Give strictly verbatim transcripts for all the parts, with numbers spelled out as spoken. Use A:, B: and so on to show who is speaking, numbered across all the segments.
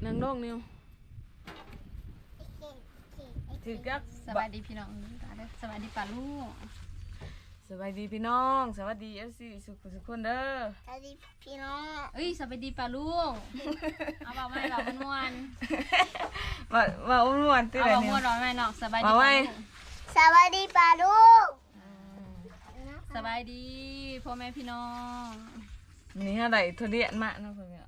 A: นางโลกนิวถือกัก
B: สวัสดีพี่น้องสวัสดีป้าลูก
A: สวัสดีพี่น้องสวัสดีเอฟซีสุขสุขคนเด้อ
C: สวัสดีพี่น้อง
B: เอ้ยสวัสดีป้าลูกเอาบอกไม่บอกมันม่วน
A: มามาอุ้มม่วนตื่น
B: เอา
A: เลย
B: บอก
A: นิ
B: ม่
A: ว
B: วนร้อนไหมน้องสบายดี
A: มาไว้
C: สวัสดีป้าลูก
B: สบายดีพ่อแม่พี่น้อง
A: นี่อะไรทุเรียนมากเนาะเพื่อนเนี่ย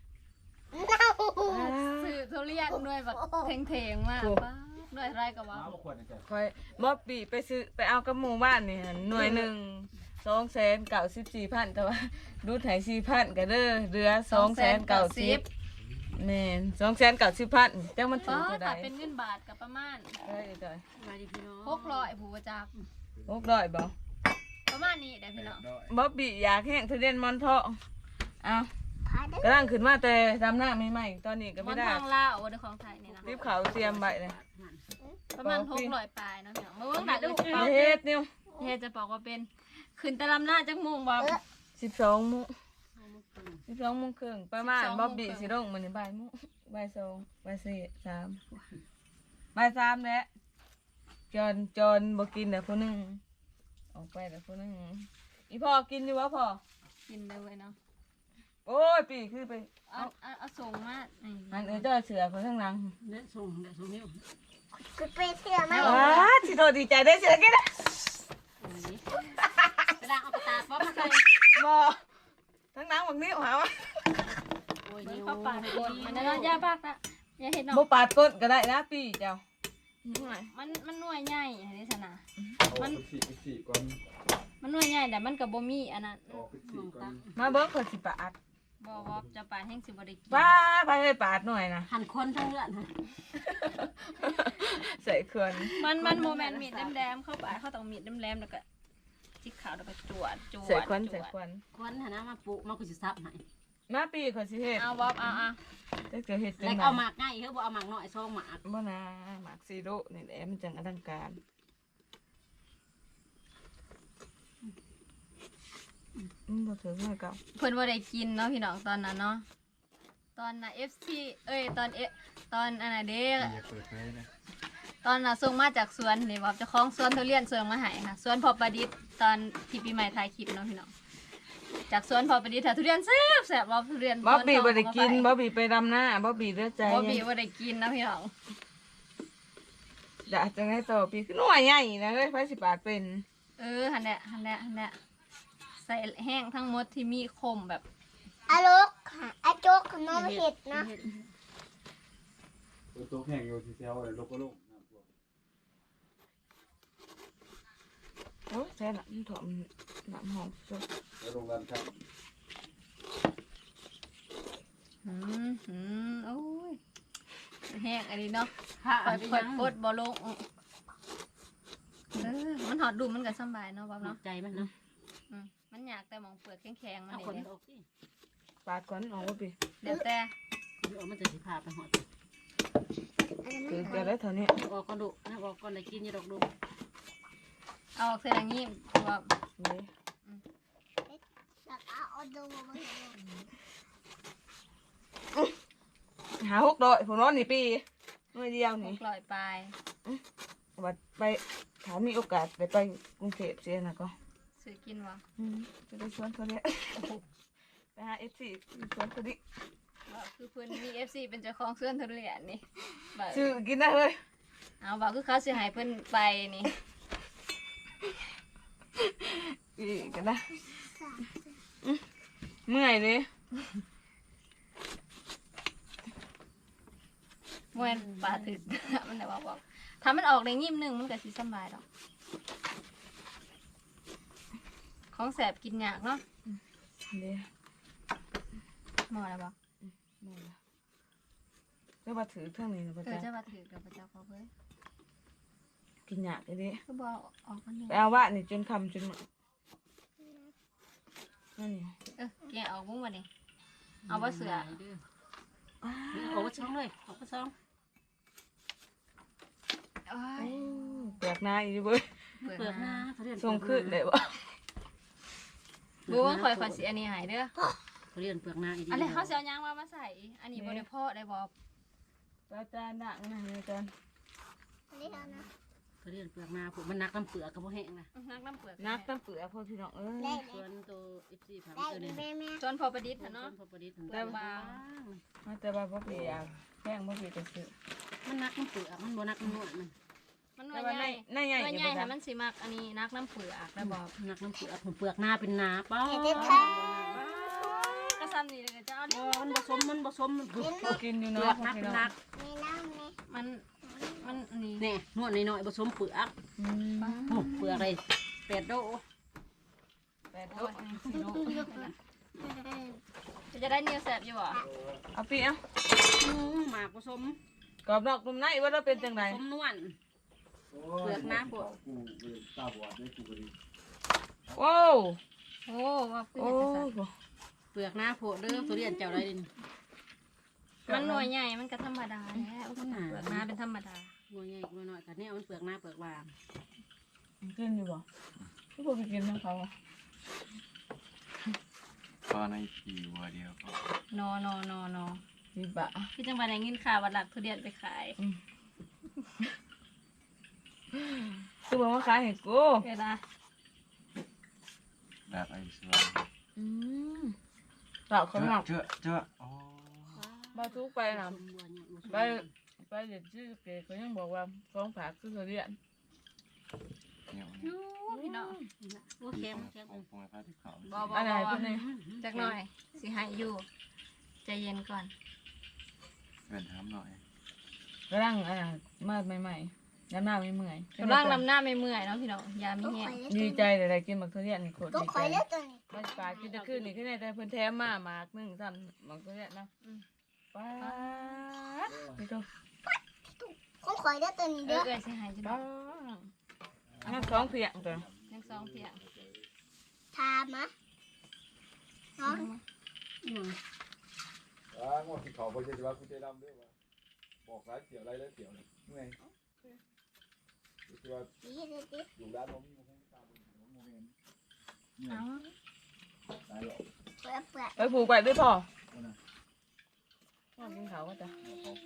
B: สื่อทุเรียนด้วยแบบเทงๆมากป้าด้วยอะไรก็ว่า
A: คอยบ๊อบบี้ไปซื้อไปเอากระหมูบ้านนี่หั่นหน่วยหนึ่งสองแสนเก้าสิบสี่พันแต่ว่าดูไถสี่พันกันเด้อเรือสองแสนเก้าสิบแม่นสองแสนเก้าสิบพันแต่มันถู
B: ป้าก
A: เท่าใด
B: ถ้าเป็นเงินบาทกับประมาณ
A: เอ้ยเด้อ
B: สวัสดีพี่น้องหกร้อยผู้ประจักษ์
A: หกร้อยบ่
B: ประมาณนี้ได้พี่น้อง
A: บ๊อบบี้อยากแห้งทุเรียนมอนทองเอา
C: พาเด้อก
A: ำลังขึ้นมาแต่ดำหน้าใหม่ๆตอนนี้ก็
B: มั
A: ไม่
B: น
A: ได้
B: ทองลาววันของไทยนี่นะ
A: รีบเขาเตรียมใบเลย
B: ประมาณหกร้อยปลายนะพี่น้องเมื่อวันแบบลูก
A: เฮ็ดนิว
B: เฮจะบอกว่าเป็นขึ้นตะลำหน้าจักมุงบอก
A: สิบสองโมงสิบสองโมงครึ่งประมาณ
B: สิบสองโมง
A: บ๊อบบี้
B: ครึ่ง
A: สิลงมันบ่ายโมงบ่ายสองบ่ายสี่สามบ่ายสามแล้วจอนจอนบ่กินเดี๋ยวคนนึงออกไปเดี๋ยวคนนึงอีพ่อกินอยู่วะพ่อ
B: กินเลยเว้ยเนาะ
A: โอ้ยปีคือไป
B: เอาเอาเอาส่งมานี่
A: หันเออเจ้าเสือคนข้างหลัง
D: เด็ดส่งเด็ดส่งนิ้ว
C: คือไปเที่ยวไหม
A: ว้าสิโตดีใจได้เสือกินนะ
B: กระดาษเอากระตาป๊อปมาใส่
A: บ่ทั้งหลังบักนิ้วหาวะ
D: โอ้ย
B: เบิ่ง
D: นิ้ว
B: เข้าปากกดมันจะนอนยาปากนะอย่าเห็นเนาะ
A: บ่ปาดก้นก็ได้นะปีเจ้า
B: มันมันหน่วยใหญ่อันนี้สนะ
E: มันสี่สี่ก่อน
B: มันหน่วยใหญ่แต่มันกับบ่มีอันนั้น
E: ออกสี่ก่อน
A: มาเบิ้งคนสิปาด
B: บ่ว่าจะปาดแห้งสิบ่ได้กิน
A: ป้าไปให้ปาดหน่อยนะ
D: หันคนทั้งเลือดฮะ
A: ใส่เขื่อน
B: มันมันโมเมนต์มีดแดมๆเข้าไปเขาต้องมีดแดมๆแล้วก็จิกขาวแล้วก็จวดจวด
A: ใส่ควัน
B: จ
A: ใส่
B: วด
A: ควัน
D: คนหานะมาปลูกมาคุยซับให้
A: มาปีคนสิเฮ็ด
B: เอาบ๊อบเอาเอา
A: จะเกิดเฮ็ดจั
D: แล้ว
A: งได
D: เอาหมากง่ายเฮ้ยบ่เอาหมากน้อยซองหมาก
A: บ่นะหมากซีโร่นี่แหละมันจังอลังการอืมบ่ถึงเลยเก่า
B: เพิ่นบ่ได้กินเนาะพี่น้องตอนนั้นเนาะตอนน่ะ เอฟ ซี เอ้ยตอนเอตอนอันน่ะเด้
E: อย่าเปิดไฟนะ
B: ตอนน่ะส่งมาจากสวนนี่บอกเจ้าของสวนทุเรียนส่งมาให้ค่ะสวนพอประดิษฐ์ตอนที่ปีใหม่ถ่ายคลิปเนาะพี่น้องจากสวนพอประดิษฐ์ถ่ายทุเรียนแซ่บแซ่บบ่ทุเรียน
A: บ๊อบบี้บ่ได้กิน
B: บ่
A: บ๊อบบี้ไปดำหน้าบ๊อบบี้เด้อใจ
B: บ่บี้บ่ได้กินเนาะพี่น้อง
A: จะจังได๋ต่อปีคือหน่วยใหญ่นะเอ้ยไผสิปาดเป็น
B: เออหั่นแหละหั่นแหละหั่นแหละใส่แห้งทั้งหมดที่มีคมแบบ
C: อาลูกอาโจ๊กน้องเห็ดนะ
E: ตัวโต๊ะแห้งอยู่ที่เซลล์เลยลกก็ลงน้ำท่วม
A: โอ้แซ่ละมันถอมน้ำหอมสุด
E: แล้วโรงงานครับ
B: อืมอืมโอ้ยแห้งอันนี้เนาะ
D: ผ้า
B: ค่
D: อั
B: อน ย
D: นี้
B: ค่อย
D: ยัง
B: กดบ่ลงเออมันหอดดูมันก็สำบายเนาะบ๊อบ
D: เนาะ
B: เนาะ
D: ใจมันเนาะ
B: อืมมันอยากแต่หมองเปลือกแข็งๆมัน
D: เอา
B: นี่
D: คน
B: เด้
D: ออกสิ
A: ปาดก่อนออกบ๊อบบี้
B: เดี๋ยวแต่
D: เดี๋ยวมันจะสิพาไปหอด
A: คือจะได้เท่านี้
D: ออกก่อนดุนะออกก่อนได้กินอย่าดอกดุ
B: เอาออกเส้นอย่างนี้ว่า
A: นี่
C: แล้วก็เอาดูมาเห็น
A: หาหกดอยผมนอนนี่ปีหน่วยเดียว
B: ห
A: นี่
B: กร้อยปลาย
A: ว่าไปถามมีโอกาสไปไปกรุงเทพเสียนะก็
B: ซื้อกินวะ
A: อืมจะได้ชวนเขาเนี่ยไปหาเอฟซีชวนเขาดิ
B: ว่าคือเพื่อนมีเอฟซีเป็นเจ้าของสวนทุเรียนนี่แบบ
A: ชื่อกินได้เลย
B: เอาบอกคือเขาสิให้เพื่อนไปนี่
A: อีกกันนะอืมเมื่อยเลย
B: เมื่อปลาถึก มันแต่ว่าบอกถ้ามันออกในงิ้มหนึ่งมันก็สิสำบายดอกของแสบกินยากเนาะ
A: เดี๋ยว
B: หมอแล้วบอก
A: เมื่อยละจะมาถือเครื่องนี้นะพระ
B: เออ
A: เจ้า
B: จะมาถือกับพระเจ้าเขาเว้ย
A: กินหยาดเลยดิ
B: ก็บอกออกกันหนึ่ง
A: ไปเอาว่านี่จนคำจนหมดนั่นนี่
B: เออแกะออกมุ้งมาดิเอาว่าเสือ
D: ออกมาช่องเลยออกมาช่อง
B: โอ้
A: โอ้
B: ย
A: แปลกหน้าอีกเว้ย
B: เปิด
D: เปิดห
B: มา
D: น้าเขาเรียน
A: ส่งขึ้นได้บ่
B: บูว่าคอยคอยสีอันนี้หายเด้อ
D: ทุเรียนเปลือกหน้าอีดี
B: อันนี้เขาสิเอายางมามาใส่ อันนี้บ่ได้เพาะได้บ่
A: อาจารย์ดังนะอาจารย์
C: อันนี้เอานะ
D: ทุเรียนเปลือกหน้าพวกมันนักน้ำเปลือกก็บ่แห้งนะ
B: นักน้ำเปลือก
A: นักตั้งเปลือกพ่อพี่น้องเอ้ย
C: ได้
D: ส่วนตัวอีสี่พัน
C: ได้
D: ตัวนี้
C: แม่แม่
B: จนพอประดิษฐ์
D: ส่ว
B: หั่
D: น
B: นเนาะ
D: พอประดิษฐ์
B: เปลือกบาง
A: มาแต่ว่าพ่อพี่อยากแพงพ่อพี่จะซื้อ
D: มันนักน้ำเปลือกมันบ่นักน้ำนวดมัน
B: มันหน่
A: แต่
B: วย
A: ว่า
B: ให
A: ใน
B: ญ่
A: ในใหญ่
B: หน่วย
A: อยู่
B: ใหญ่
A: บ่
B: ให้
A: จ๊ะ
B: มันสิมักอันนี้นักน้ำเปลือกได้บ่
D: นักน้ำเปลือกเปลือกหน้าเป็นหนาป้าก
B: ระซ้ำนี่เลยจะเอาดิ
D: มันผสมมันผสมมันเปลื
A: พอกินอยู่
D: อ
A: เนาะ
D: ก
A: พ่อ
D: นัก
A: พี่
D: เป็น
A: น้อง
D: นัก
C: มีน้ำไหม
B: มันมันอันนี้
D: เนี่ยนวดน้อยๆผสมเปลือก
A: อืม
D: โอ้เปลือกอะไรเป็ดโด
A: แปด
B: โอ้
A: โต๊ะ
B: ยสิโนจะได้เนียวแสบอยู่บ่
A: เอาปีเอา
D: หมากผสม
A: กรอบนอกนุ่มในว่าเราเป็นจังได
D: ผสมนวล เปลือกหน้าพวก
E: กูเป็นตาบอดได้กูก็ดี
A: โอ้
B: โอ้ว่าคือ
A: โอ้
B: เห็ดจังซั่น
D: เปลือกหน้าโผล่เด้อทุเรียนเจ้าอะไรนี่
B: มันหน่วยใหญ่มันก็ธรรมดาแหล้วเปลือกหน้าเป็นธรรมดา
D: หน่วยใหญ่หน่วยน้อยกันเนี่ยมันเปลือกหน้าเปลือกบาง
A: กินอยู่บ่พี่พอไปกินน้ำเขาอ่ะ
E: ก็ในปีวัวเดียวก็
B: นอนอนอนอ
A: พี่บะ
B: พี่จังหวัดไหนเงินข่าววัดหลักทุเรียนไปขาย
A: คือบอกว่าขายให้กู
B: เวลา
E: แบบไอ้สวน
A: อืมเต่าเขาหมัก
E: เจ้าเจ้าอ๋อ
A: มาทุกไปนะ
D: ผสมบัวเนี่ยผสม
A: ไปไปเด็ดชื่อเก๋เขายังบอกว่าฟ้องผักคือเขาเรียน
E: เนี่ย
B: ยูพี่น้อง
D: โอ้เค็มเค็ม
E: ปงปงไอ้พระที่เขา
B: บอบอ
A: อันไหน
B: บอ
A: เป็นไง
B: จักหน่อยสิให้อยู่ใจเย็นก่อน
E: เป็นถามหน่อย
A: กำลังอ่ามาใหม่ๆน้ำหน้าไม่เมื่อย
B: กำลังนำหน้าไม่เมื่อยเนาะพี่น้องยามี
C: ก็
B: แห้
C: ข่
B: ง
C: อย
A: ดีใจเลยได้กินบักทุเรียนนี่โคตร
C: ก็
A: ดี
C: ข่
A: ใจ
C: อยแล้วตัวนี้
A: มาปลากินจะขึ้นนี่ขึ้นในแต่เพิ่นแถมมาหมากหนึ่งซ้ำบักทุเรียนนะป้าดนี่ตัว
C: ก็ข่อยแล้วตัวนี้
B: เอ
C: เด้
B: อ
C: อ
B: เออสิให้จะ
A: ป้าดงั้นสองเพียงตัว
B: ยังสองเพียง
C: ทามะเนาะ
D: อืม
E: อ่าหมดที่เขาไปเจอว่ากูจะดำด้วยว่าบอกร้านเกี่ยวอะไรแล้วเกี่ยวเนี่ยเมื่อยคือว่า
C: ดีเลยดิ
E: อยู่ร้านผมมีมันตาบนผมมองเห็นเนี่ย
B: เอา
E: ตายหรอก
C: เปลือกเปลือก
A: ไปผูกไว้ด้วยพ่อพ่อกินเขาก็จะ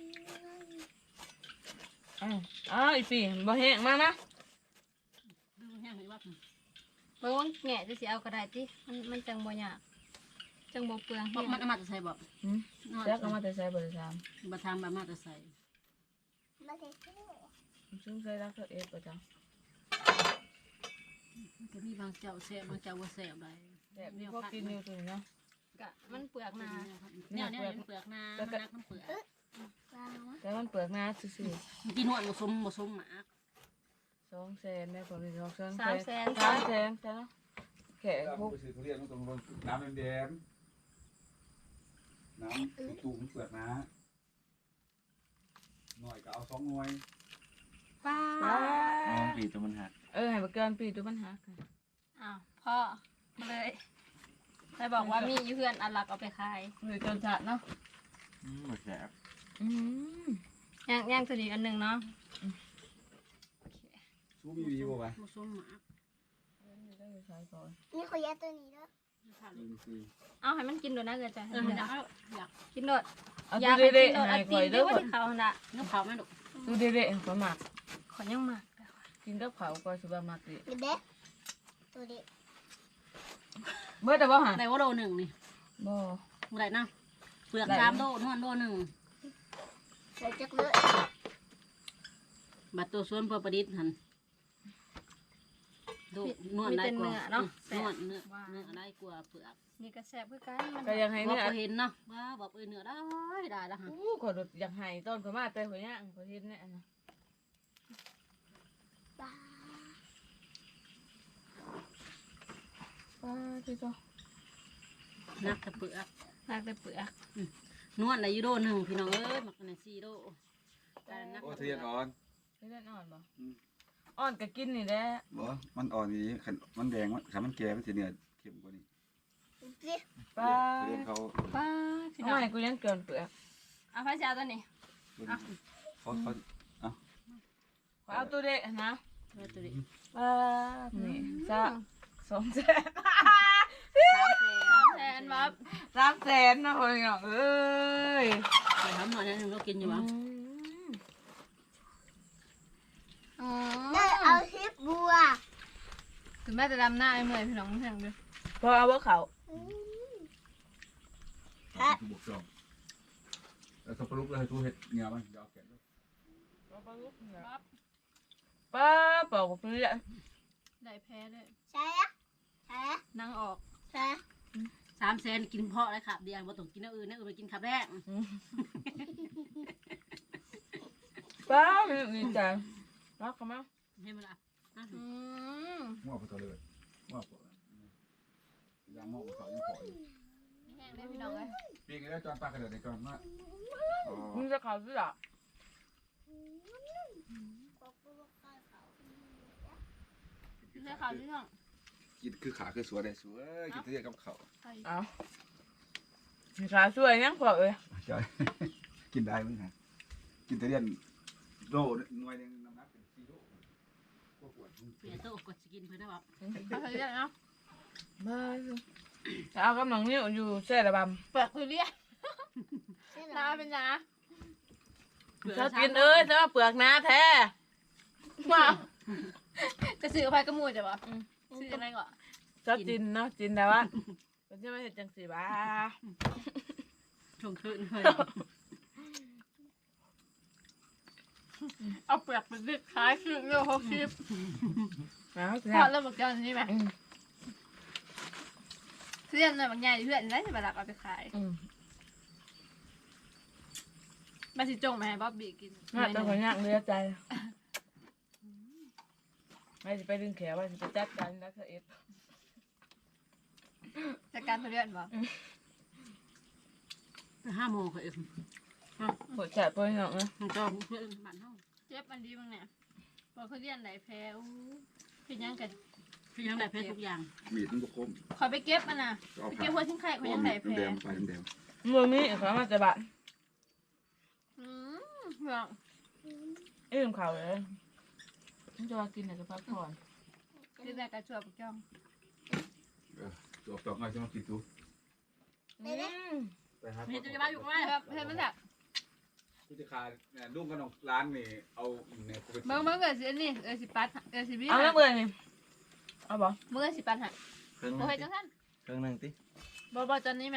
A: อ้าวอ้าวอีปีบ่แห้งมานะ
D: ดูแห้งเห็นว่า
B: เบิ่งว่าแง่จะสิเอาก็ได้ติมันมันจังบ่ยากจังบ่เปลือง
D: บอ
B: เฮี
D: ก
B: ย
D: มันเอามาจะใส่บอก
A: หืมแจ๊กเอามาแต่ใส่เบอร์สาม
D: มาทำแบบมาจะใส่
C: มาเสร็จแล้ว
A: ซึ่งใส่รักเขาเอฟประจ
D: มันจะมีบางเจ้าแซ่บบางเจ้าว่าแซ่บอะไร
A: ำแบบนี้พวกกินอยู่ตัวนี้เนาะ
B: กะมันเปลือกหนา
D: เนี่ยเนี่ยเปลือกนามันนักน้ำเปลือก
C: วางวะ
A: แต่มันเปลือกหน้าซื่อ
D: กินนวดผสมผสมหมาก
A: ๆสองแสนได้ผลเป็นสองแสน
B: สามแสน
A: สามแสนจ้ะเนาะแขก
E: แล้ว
A: พวก
E: ไปซื้อทุเรียนตรงบนน้ำแดงน้ำตูมเปลือกนะหน่อยก็เอาสองหน่วย
B: ป้า
E: อ๋อปีตัวมันหัก
A: เออให้มาเกินปีตัวปัญหาค่ะ
B: อ้าวพ่อมาเลยใครบอกว่ามีอยู่เพื่อนอันหลักเอาไปขาย
A: หรือจนจัดเนาะ
E: อืมแสบ
A: อืม
B: ย่างย่างตัวนี้อันหนึ่งเนาะ
E: สู้มีวีบ่วะ
D: ผสมหมาก
A: ได้ไปใช้ก่อน
C: นี่ข่อยแล้วตัวนี้เด้อ
E: หนึ่งสี่
B: เอาให้มันกินโดดนะเกิดใจ
D: เอออยากอยาก
B: กินโดด
A: เอา
B: อยาก
A: ดู
B: ให้
A: เด็
B: กิ
A: ด
B: นโดด
A: ๆ
B: เอา
A: ให้
B: ตี
A: ข่อย
B: น
A: เด้
B: เด้
A: อ
B: อที่เขาน่ะ
D: เนื้อเผาไหมลูก
A: ดูเด็ดๆเขาหมัก
B: ขอยังหมัก
A: กินกับเขาก็สิบ่ามักดิ
C: เดี๋ยวเด้อตัวนี้
A: เมื่อแต่ว่าหา
D: ได้ว่าโลหนึ่งนี่
A: บ่
D: เมื่อไรนะเปลือกสามโลนวดโลหนึ่ง
C: ใส่จักเลย
D: บัตรตัวส่วนพอประดิษฐ์หันดูนวดได้กว่า
B: เนาะ
D: นวดเนื้อเนื้อได้กว่าเปลือก
B: นี่ก็แซ่บคือกันมัน
A: ก็ยังให้
D: บอก
A: เนื้อ
D: เห็นเนาะว่าบอกเออเนื้อได้ได้แล้วฮะ
A: อู้ขอดอยากให้ต้นเขามาแต่หัวย่างเขาเฮ็ดเนี่ยนะ
C: ปลา
A: ป้าที่ตัว
D: นักแต่เปลือก
B: นักแต่เปลือก
D: นวดในยูโดหนึ่งพี่น้องเอ้ยหมักในซีโดการนัก
E: โอ้ทุเรียนอ่อน
A: ไม่ได้อ่อนบ่อ่อนก็กินนี่แหละ
E: บ่มันอ่อนนี้ขันมันแดงมันขันมันแก่มันสิเนื้อเข้มกว่านี้
C: สิ
A: ป้า
E: ทุเรียนเขา
B: ป้าพี่น้
A: เอา
B: อง
A: ให้กูยังเกินเปลือก
B: เอาพระเจ้าตัวนี้
E: เขาเขา
A: ขอเอาตัวเด็กนะ
D: เออตัวนี้
A: ป้านี่จ้าสองแสน
D: สามแสน
B: สามแสแสนบ๊อบ
A: สามแสนนะพ่อพี่น้องเอ้ย
D: ไปทำหน่อยนึงเรากินอยู่วะ
B: อ๋อ
C: ได้เอาทิปบัว
B: ถึงแม่จะดำหน้าไอ้เมื่อยพี่น้องเพียงเด้อ
A: พอเอาว่าเขา
E: ทุบกจองแล้วสับปะรดเลยทุเห็ดเงี้ยมันยาวแก่น
A: ป้าบอกว่าเพื่อน
B: ได้แพ้ด้วย
C: ใช่อะใช่อะ
B: นั่งออก
C: ใช่
D: สามแสนกินเพาะเลยครับเดียวบ่ต้องกินอันอื่นนะอื่นไปกินขับแรก
A: ป้าดีใจรักเขามั้ง
D: ให้มันละ
B: อืม
E: มั่วไปต่อเลยมั่วไปยังมั่วไปต่อยังขออยู่
B: แห้งได้พี่น้องเลย
E: ปีนี้แล้วจอนปลากระเดิดในจอนมาอ๋อ
A: มึงจะเขาสิล่ะ
B: ใช่ค่ะพี่น้อง
E: กินคือขาคือสวยเลยสวยกินเรียกกับเขา
A: เอาขาสวยยังพอเอ้ย
E: ใช่กินได้มั้งฮะกินแต่เรียนโลหน่วยนึงน้ำหนักเป็นสี่โลก็ปวด
D: เปลี่ยนโต๊ะกดสกินเพื่อนนะบอก
B: เอาไปเรียกเนาะ
A: มาจะเอากำลังนิ้วอยู่แช่ระบ
B: เปลือกคือเรียกน้าเป็นน้า
A: ำชอบกินเอ้ยจะมาเปลือกน้าแท้มา
B: จะซื้อไปกระมูจะบ่ซื้ออะไรก่อน
A: ชอบกินเนาะกินแต่ว่าเป็นจะไม่เห็นจังสีบ้า
D: ชงคืนเลย
B: เอาเปลือกไปดิขายคือเรื่องหกสิบ
A: เอา
B: พ
A: เถ
B: อ
A: อะ
B: เริ่มบอกเจ้านี่ไหมเพื่อนเลยบางอย่างเพื่อนได้จะมารับเอาไปขาย
A: อืม
B: มาสิจงมาให้บ๊อบบี้กิน
A: น่าจะคนยากเลือใจไม่จะไปดึงแขวว่าจะไปจัดการนักเอ็ด
B: จากการเพื่อนบ่
D: ห้าโมงค่ะเอ็ม
A: หัวใจเพื่อนหรอกนะ
D: มันจองเพื่อนบ้านเฮา
B: เจ็บอันดีบ้างเนี่ยพอเขาเรียนไหนแพ้อู้เป็นยังกัน
D: พี่ยังได้เพชรทุกอย่าง
E: มีดมันก็คม
B: ขอไปเก็บมันนะไปเก็บหัวชิ้นไข่เขายังไหนแพ้
E: แดงไปแดง
A: มือมีเขามาจะบะ
B: อืมเพื่อน
A: เอื้อมเขาเลยมันจะมากินแต่จะพักผ่อน
B: ที่แรกกระชัวปกจ้อง
E: ตัวตอกง่ายจะมากินตู้
A: อืม
E: ไปหา
D: เพชรจะมาอยู่ไหม
B: ครับเพื่อนมันแบบ
E: ผู้จัดการเนี่ยลุงกับน้องร้านนี่เอาเนี่ยกูไป
B: เมื่อเมื่อเกิดสิอันนี่เออสิปัดเออสิบี้
A: เอาแล้วเบื่อนี่เอาบ่
B: เมื่อสิปัดฮะ
F: เครื่องห
B: โอ้
F: นึ่ง
B: ยจังท่าน
F: เครื่องหนึ่งติ
B: บอบอจอนนี้ไหม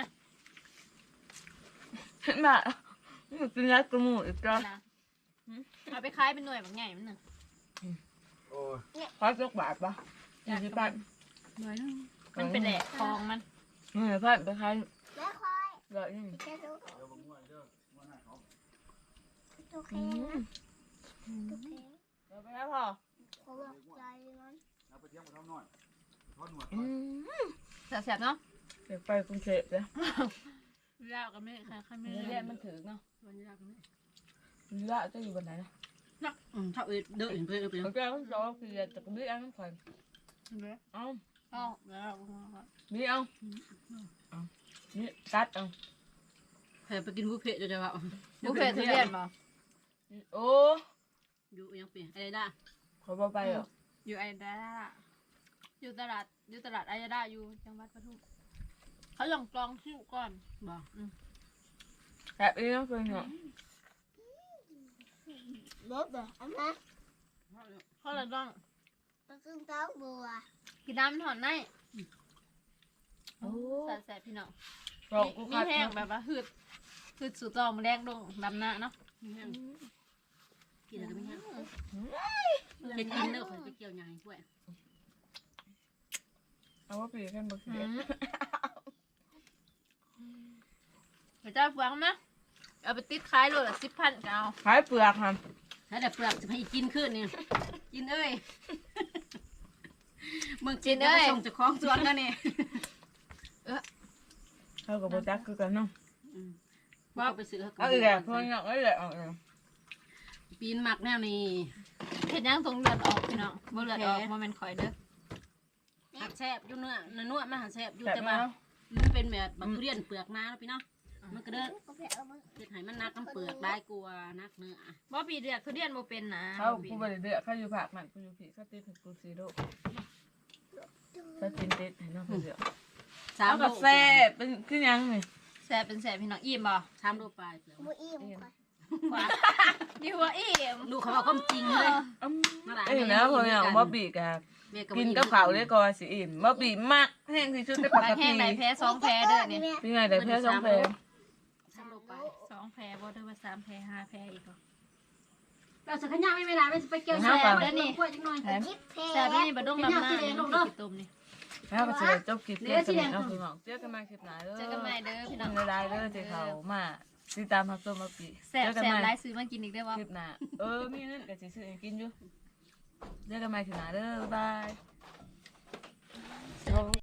A: เห็นบ่กินยัดกระหมูอีกจ้ะ
B: นะเอาไปขายเป็นหน่วยแบบใหญ่มันหนึ่ง
E: โอ้ย
A: ขอสักบาทปะยี่สิบบาท
B: หน่วยนึงมันเป็นแหลกทองมัน
A: เฮ้ยพันไปขาย
C: แม่ควาย
A: ร้อยหนึง
C: จะดู
E: เดี๋ยวมึงง่วยเด้อง่วยหน้าเขา
C: ตัวแข็
A: อื
C: ง
A: ม
C: ตัวแข็ง
A: เดี๋ยวไปแล้วพอ
C: เขาบอกใจมัน
E: เอาไปเที่ยงมาทำหน่อยทอดหนวด
A: อืม
B: แสบๆเนาะ
A: เดี๋ยวไปกรุงเทพเลย
B: ยากกันไม่ใครใครไม่
A: เรี
B: เรี
A: ย
B: ย
A: น
B: น
A: มั
B: มัน น
A: ถึงเนาะ
D: วันนี้เราก็ไม่
A: ละจะอยู่บนไหนนะ
D: นักอืมชอบเอ็ดเดินเพื่อนเพื่อน
A: เขาจะต้องรอคือจะกระบี่อันนั้นก่อน
B: เนื้อ
A: เอา
B: อ๋อแล้ว
A: นี่เอาเอานี่ตัดเอา
D: เพื่อนไปกินบุฟเฟ่ต์จะว่า
B: บุฟเฟ่ต์ทุเรียนบ่
A: โอ้
D: อยู่ยังเปลี่ยนอะไรได้
A: ขอบ่ไปเหรอ
B: อยู่ไอดาอยู่ตลาดอยู่ตลาดไอดาอยู่จังหวัดปทุมเขาลองกลองคิ้วก่อน
D: บอก
A: แบบนี้ต้องเป็นเหรอ
C: รถแบบอันนั้น
B: เขาเลยต้อง
C: ตะกึ่งเต้าบัว
B: กินน้ำถอนใน
A: โอ้
B: แสบๆพี่น้อง
A: ลองกู
B: มี
A: คัด
B: แห้งแบบว่าหืดหืดสูตรตอมแดงดงดำหน้าเนาะ
D: กินอะไรก็ไม่ห้ามจะกินเลิกไปเกี่ยวยังไงด้วย
A: เอาว่าปีกันบ่เสีย
B: เดี๋ยวจะฟังนะเอาไปติดขายโลละสิบพันก็เอา
A: ขายเปลือกค่ะ
D: ถ้าแต่เปลือกจะให้กินขึ้นเนี่ยกินเอ้ยมึงกินเอ้ยส่งจากคล้องสวนกันเนี่ย
A: เขากับโบจักคือกันเนาะ
D: ว่าไปซื้อ
A: เอาอีกแล้วเพื่อนเอาอีกแล้วเอาอีกแล้ว
D: ปีนหมักแนวนี้
B: เห็นยังตรงเลือดออกพี่น้องบ่เลือดออกบ่แม่นข่อยเด้อ
D: หักแซบอยู่เนื้อเนื้อมันหักแซบอยู่
A: แต่
D: แต่
A: มา
D: ว่ามันเป็นแบบบักทุเรียนเปลือกมาแล้วพี่เนาะมันก็เด้อ
C: ก็แพ้เอามา
D: เฮ็ดให้มันนักน้ำเปลือกได้กลัวนักเนื้อ
B: บ่ปีเดือดทุเรียนบ่เป็นนะ
A: เขากูไปเดือดเขาอยู่ผักมันกูอยู่ผีเขาติดถึงกูซีโร่เขาติดติดเห็นเนาะเขาเดือด
D: สาม
A: เอา
D: โล
A: กับแซ่บเป็นคือหยังนี่
B: แซ่บเป็นแซ่บพี่น้องอิ่มบ่
D: สามโลปลายเปล่า
C: บุอิ่มก่อน
B: ว่าดีว่าอิ่ม
D: ลูกเขาบอกความจริงเลย
A: อืม
D: มาหลาย
A: เอ้ยนะพออย่างบ่บีกะ
D: แม่ก็
A: กินกับข้าวได้ก่อนสิอิ่มบ่บีมากแห้งที่สุดในปัต
B: บาง
A: ต
B: แห้
A: พี
B: งไหนแพ้สองแพ้เด้อนี่
A: เป็นไงได้เพื่อสองแพง
D: สามโลปลาย
B: สองแพ้บ่เด้อว่าสามแพ้ห้าแพ้อีกบ่
D: เราจะขยันไม่เวลาไม่ไปเกี่ยวแซ่บแล้วนี่กล้วยจังหน่อย
C: ยิบเพ
B: แซ่บนี่บ่ต้องลำหน้านี่กินต้มนี่
A: แล้วก็จะจบคลิปเพียงเท่านี้เนาะพี่น้องเจอกันใหม่คลิปหน้าเด้อ
B: เจอกันใหม่เด้อพี่น้อง
A: เวลาเด้อที่เขามาติดตามรับชมมาปี
B: แซ่บ
A: เจอกัน
B: แซ่บ
A: ใหม่
B: หลายซื้อมากินอีกได้อบ่
A: คลิปหน้าเออมีเงินก็สิซื้อให้กินอยู่เจอกันใหม่คลิปหน้าเด้อบ๊ายบาย